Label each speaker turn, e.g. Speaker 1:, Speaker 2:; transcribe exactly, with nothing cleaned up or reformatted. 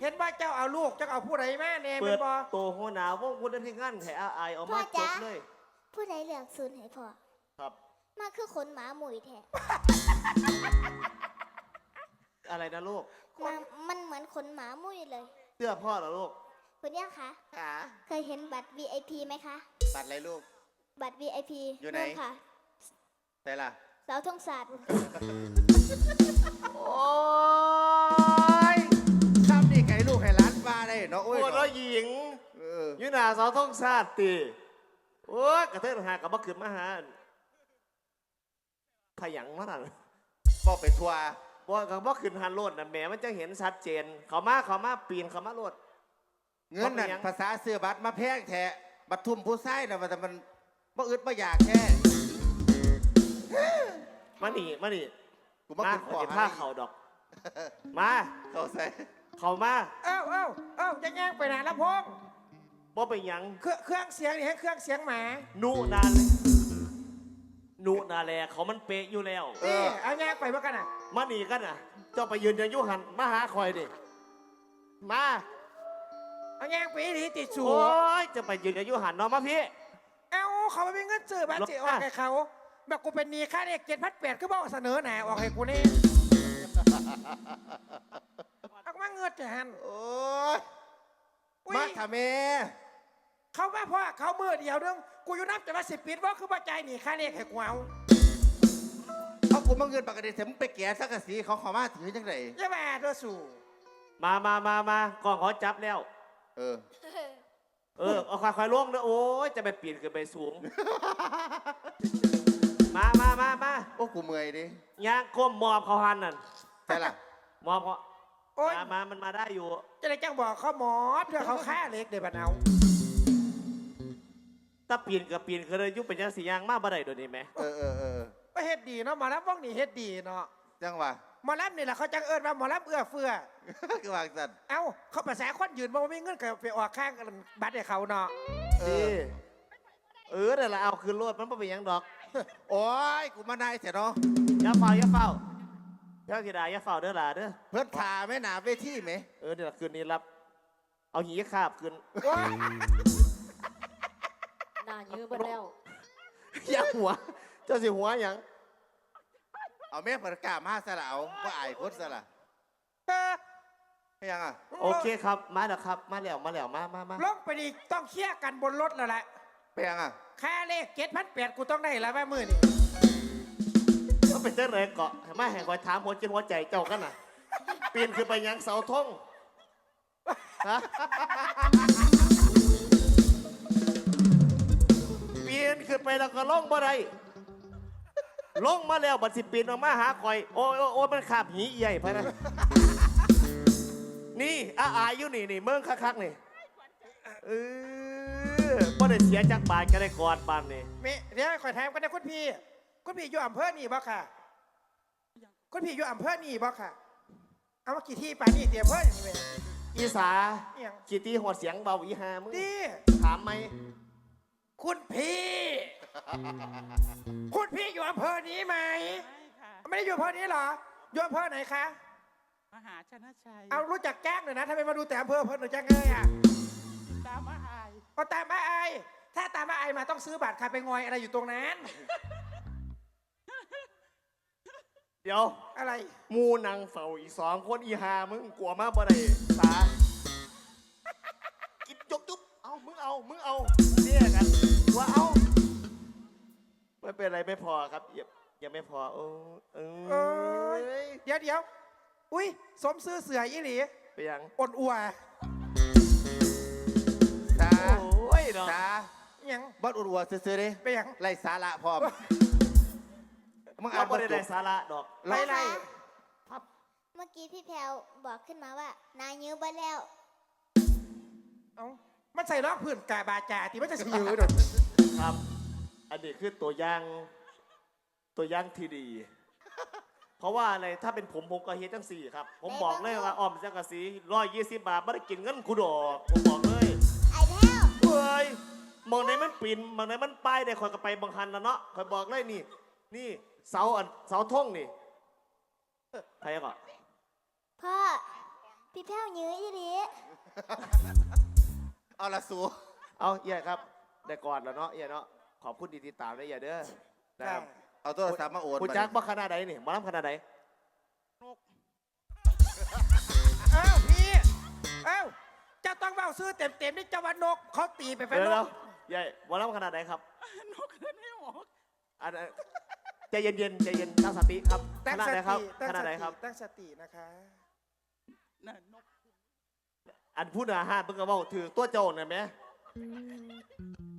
Speaker 1: ห็นว่าเจ้าเอาลูกเจ้าเอาผู้ใดแม่เนี่ย
Speaker 2: เปิ
Speaker 1: เป็
Speaker 2: ด
Speaker 1: นบอ
Speaker 2: โตหัวหนาววงคุณได้ที่งานแถอาไอเอามาจบเลย
Speaker 3: ผู้ใดเลือกศูนย์ให้พ่อ
Speaker 2: ครับ
Speaker 3: มาคือขนหมาหมุยแท้
Speaker 2: อะไรนะลูก
Speaker 3: มามันเหมือนขนหมาหมุยเลย
Speaker 2: เสื้อพ่อเหรอลูก
Speaker 3: คุณย่าคะ
Speaker 4: ขา
Speaker 3: เคยเห็นบัตร วี ไอ พี ไหมคะ
Speaker 4: ตัดอะไรลูก
Speaker 3: บัตร วี ไอ พี
Speaker 4: อยู่ไหน
Speaker 3: ค่ะ
Speaker 4: แต่ล่ะ
Speaker 3: เสาธงศาสตร์
Speaker 4: โอ้ยทำนี่ไก่ลูกให้ร้านปลาได้เนาะโอ้ย
Speaker 2: โอ้
Speaker 4: เนาะ
Speaker 2: แล้วหญิง
Speaker 4: เออ
Speaker 2: ยุนาสาวท่องชาติตีโอ้ยกระเทยหากับบักขึ้นมาหาขยันมาหน่อย
Speaker 4: บอกไปทัวร์
Speaker 2: ว่ากับบักขึ้นหันโลดนะแหมมันจะเห็นชัดเจน เขามาเขามาปีนเขามาโลด
Speaker 4: เงินนั่น
Speaker 2: บอกไปยัง
Speaker 4: ภาษาเสื้อบัตรมาแพงแท้บัตรทุ่มผู้ไส้นะมันแต่มันบ่อึดบ่อยากแค่
Speaker 2: มาหนีมาหนี
Speaker 4: กูมา
Speaker 2: มา
Speaker 4: ขึ้น
Speaker 2: ข
Speaker 4: ข
Speaker 2: อ
Speaker 4: อ
Speaker 2: จะผ้าเขาดอก มา
Speaker 4: เขาใส่
Speaker 2: เขามา
Speaker 1: เอ้าเอ้าเอ้าจะแย่งไปไหนละพง
Speaker 2: บ่ไปหยัง
Speaker 1: เครื่องเครื่องเสียงนี่ให้เครื่องเสียงหมา
Speaker 2: นุนานนุนาแลเขามันเป๊ะอยู่แล้ว
Speaker 1: นี่เอาแย่งไปเมื่อกันอ่ะ
Speaker 2: มาหนีกันอ่ะ เจ้าไปยืนยันยุหันมาหาคอยดิ มา
Speaker 1: เอาแย่งไปดีติดสู
Speaker 2: โอ้ย จะไปยืนยันยุหันเนาะมาพี่
Speaker 1: เอ้าเขาไม่มีเงินซื้อบัตรจีออกให้เขาแบบกูเป็นหนีค่าเนี่ยเจ็ดพันแปดก็บอกเสนอหน่ออกให้กูนี่เอามาเงินจะหัน
Speaker 4: โอ้ย
Speaker 1: อุ๊ย
Speaker 4: มาทำเม
Speaker 1: เขาว่าพ่อเขามือเดียวนึงกูอยู่นับจะมาสิบปีว่าคือปัจจัยหนีค่าเนี่ยให้กูเอา
Speaker 4: เอากูมาเงินปกติเสมไปแก่สักกะสีเขาเขามาถือจังได
Speaker 1: อย่ามาเด้อสู่
Speaker 2: มามามามากองเขาจับแล้ว
Speaker 4: เออ
Speaker 2: เออ เอาควายควายล่วงเด้อโอ้ย จะไปปีนขึ้นไปสูง มามามามา
Speaker 4: โอ้กูเมื่อยดิ
Speaker 2: ย่างก้มมอบเขาหันนั่น
Speaker 4: ใช่ล่ะ
Speaker 2: มอบเขา
Speaker 1: โอ๊ย
Speaker 2: มามามันมาได้อยู่
Speaker 1: จะได้จังบอกเขาหมอเพื่อเขาฆ่าเล็กเดี๋ยวบัดเอา
Speaker 2: ถ้าปีนกับปีนคือเลยยุบเป็นยังสียางมากบ่ได้โดยวนี้ไหม
Speaker 4: เออเออเออ
Speaker 1: ก็เฮ็ดดีเนาะหมอลำว่องนี่เฮ็ดดีเนาะ
Speaker 4: จังหวะ
Speaker 1: หมอลำนี่แหละเขาจังเอิญว่าหมอลำเอื้อเฟื้อ
Speaker 4: คือวางสัตว์
Speaker 1: เอ้าเขาภาษาคนยืนบอกว่าไม่เงินกับไปออกข้างกันบัตรให้เขาเนาะ
Speaker 4: เอ
Speaker 2: ดี
Speaker 4: อ
Speaker 2: เออเดี๋ยวเราเอาคืนรถมันไม่เป็นหยังดอก
Speaker 4: โอ้ยกูมานายเสียเนาะ
Speaker 2: อย่าเฝ้าอย่าเฝ้าเจ้ากีดาอย่าเฝ้าเด้อหล่ะเด้อ
Speaker 4: เพื่อนขาแม่หนาเวทีไหม
Speaker 2: เออเดี๋ยวคืนนี้รับ เอาหีขาบคืน
Speaker 1: โอ๊ย
Speaker 5: หน้ายื้อเบิดแล้ว
Speaker 2: อย่าหัว เจ้าสิหัวหยัง
Speaker 4: เอาแม่ประกาศมาสละเอาว่าอายพุทธสละ
Speaker 1: เออ
Speaker 4: ให้ยังอ่ะ
Speaker 2: โอเคครับ มาแล้วครับ มาแล้วมาแล้วมามามา
Speaker 1: ลงไปดีต้องเคลียร์กันบนรถแล้วแหละ
Speaker 4: ไปยังอ่ะ
Speaker 1: ค่าเลขเจ็ดพันแปดกูต้องได้แล้วแม่มือนี่
Speaker 2: ก็เป็นเจ้าเลยเกาะมาแห่งคอยถามหัวจิตหัวใจเจ้ากันน่ะปีนขึ้นไปยังเสาธงฮะปีนขึ้นไปแล้วก็ลงบ่ได้ลงมาแล้วบัดสิปีนออกมาหาคอย โอ้ยโอ้ยโอ้ยมันขาบหีใหญ่พะนะนี่อาอายอยู่นี่นี่เมืองคักๆนี่เออบ่ได้เสียจากบาทก็ได้กอดบานนี่
Speaker 1: เมเดี๋ยวคอยถามกันนะคุณพี่ คุณพี่อยู่อำเภอนี่บ่ค่ะ คุณพี่อยู่อำเภอนี่บ่ค่ะ เอามากี่ที่ป่านนี่เตรียมเพื่อนนี่เว้ย
Speaker 2: อีสา
Speaker 1: เอียง
Speaker 2: กี่ตีหัวเสียงเบาอีหามึง
Speaker 1: ดี
Speaker 2: ถามไหม
Speaker 1: คุณพี่ คุณพี่อยู่อำเภอนี้ไหม
Speaker 5: ไม่ค่ะ
Speaker 1: ไม่ได้อยู่อำเภอนี้เหรอ อยู่อำเภอไหนคะ
Speaker 5: มหาชนะชัย
Speaker 1: เอารู้จักแจ้งหน่อยนะทำไมมาดูแต่อำเภออำเภอหนูจังเลยอ่ะ
Speaker 5: ตามมาอาย
Speaker 1: เอาตามมาไอายถ้าตามมาไอายมาต้องซื้อบัตรค่ะไปงอยอะไรอยู่ตรงนั้น
Speaker 2: เดี๋ยว
Speaker 1: อะไร
Speaker 2: หมูนางเฝ้าอีกสองคนอีหามึงกลัวมากบ่ได้สากินจกจุ๊บเอามึงเอามึงเอาเนี่ยกันว่าเอาไม่เป็นไรไม่พอครับอย่ายังไม่พอโอ้เอ
Speaker 1: เอ้
Speaker 2: ้ย
Speaker 1: เดี๋ยวเดี๋ยวอุ้ยสมซื้อเสืออีหลี
Speaker 2: ไปยัง
Speaker 1: อ่อนอัว
Speaker 4: จ้า
Speaker 2: โอ้ยเนาะ
Speaker 4: จ้า
Speaker 1: อิหยัง
Speaker 4: บอสอุดวัวซื้อๆดิ
Speaker 1: ไปหยัง
Speaker 4: ไล่สาระพร้อมมึงอ่า
Speaker 2: เรา
Speaker 4: นบ
Speaker 2: ไม่
Speaker 4: ท
Speaker 2: ได้
Speaker 4: จ
Speaker 2: ได้
Speaker 4: บ
Speaker 2: สาระดอก
Speaker 1: ไล่ไล่
Speaker 3: เมื่อกี้พี่แพลวบอกขึ้นมาว่านายยื้อเบิดแล้ว
Speaker 1: เอ้ามันใส่รองพื้นกาบาจาที่มันจะสิยืดหน่อย
Speaker 2: ครับ อันนี้คือตัวอย่างตัวอย่างที่ดี เพราะว่าอะไรถ้าเป็นผมผมก็เฮ็ดจังสี่ครับ ผมบอกเลยว่าออมจังกะสีร้อยยี่สิบบาทไม่ได้กินเงินกูดอกผมบอกเลย
Speaker 3: ไอ้แพลว
Speaker 2: เฮ้ยมองไหนมันปิ่นมองไหนมันป้ายได้คอยก็ไปบางคันแล้วเนาะคอยบอกเลยนี่ นี่เสาอันเสาท่งนี่ใครก่อน
Speaker 3: พ่อพี่แพ้วยื้ออีหลี
Speaker 4: เอาละสู
Speaker 2: เอาเอี่ยครับได้ก่อนแล้วเนาะเอี่ยเนาะขอบคุณที่ติดตามนะเอี่ยเด้อนะครับ
Speaker 4: เอาโทรศัพท์มาโอน
Speaker 2: คุณ
Speaker 4: บัด
Speaker 2: จัก
Speaker 4: นี้
Speaker 2: ว่าขนาดไหนนี่หมาล้ำขนาดไหน
Speaker 1: อ้าวพี่อ้าวเจะต้องเบาซื้อเต็มเต็มๆนี่เจ้าวันนกเขาตีไปเป็น
Speaker 2: เดี๋ยวน แล้ว
Speaker 1: ก
Speaker 2: ใหญ่หมาล้ำขนาดไหนครับ
Speaker 5: นกขึ้นให้หมอก
Speaker 2: อันอันใจเย็นๆใจเย็นตั้งสติครับ
Speaker 1: ตั้
Speaker 2: ข
Speaker 1: ง
Speaker 2: นาด
Speaker 1: ส
Speaker 2: ไหนครับ
Speaker 1: ติตั้ง
Speaker 2: ขนาด
Speaker 1: ส
Speaker 2: ไหน
Speaker 1: ติ
Speaker 2: ครับ
Speaker 1: ตั้งสตินะคะ
Speaker 5: น่ะนก
Speaker 2: อันพูดอาหารเพิ่งก็บอกถือตัวโจรนะไหม